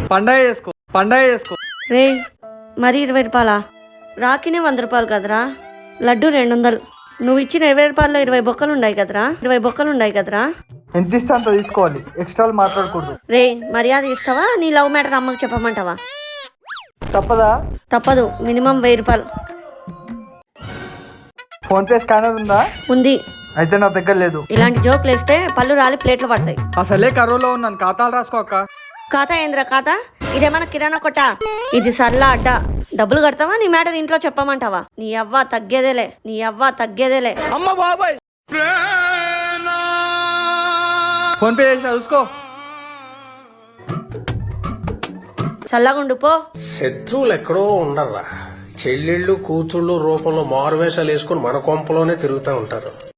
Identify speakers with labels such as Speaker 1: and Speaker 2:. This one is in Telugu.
Speaker 1: పండగ చేసుకో.
Speaker 2: రే మరి 20 రూపాయలా? రాకినే 100 రూపాయలు కదరా, లడ్డు 200. నువ్వు ఇచ్చిన 20 రూపాయల్లో 20 బొక్కలు ఉన్నాయి కదరా.
Speaker 1: ఎంత ఇస్తే అంత తీసుకోవాలి, ఎక్స్ట్రా మాట్లాడకూడదు.
Speaker 2: రే మర్యాద ఇస్తావా? నీ లవ్ మ్యాటర్ అమ్మకి చెప్పమంటావా?
Speaker 1: తప్పదా?
Speaker 2: తప్పదు, మినిమం 1000 రూపాయలు.
Speaker 1: ఫోన్ పే స్కానర్ ఉందా?
Speaker 2: ఉంది.
Speaker 1: అయితే నా దగ్గర లేదు.
Speaker 2: ఇలాంటి జోకులు వేస్తే పళ్ళు రాలి ప్లేట్లు పడతాయి.
Speaker 1: అసలే కరువులో ఉన్నాను, ఖాతాలు రాసుకో అక్క.
Speaker 2: ఖాతా ఏంద్రా ఖాతా? ఇదేమన్నా కిరాణా కొట్ట? ఇది సర్లా అడ్డా. డబ్బులు కడతావా? నీ మ్యాటర్ ఇంట్లో చెప్పమంటావా? నీ అవ్వ తగ్గేదేలే.
Speaker 1: అమ్మ బాబాయ్, ఫోన్ పే చేసి చూసుకో.
Speaker 2: చల్లగుండు పో.
Speaker 3: శత్రువులు ఎక్కడో ఉండర్రా, చెల్లెళ్ళు కూతుళ్ళు రూపంలో మారువేషాలు వేసుకుని మన కొంపలోనే తిరుగుతూ ఉంటారు.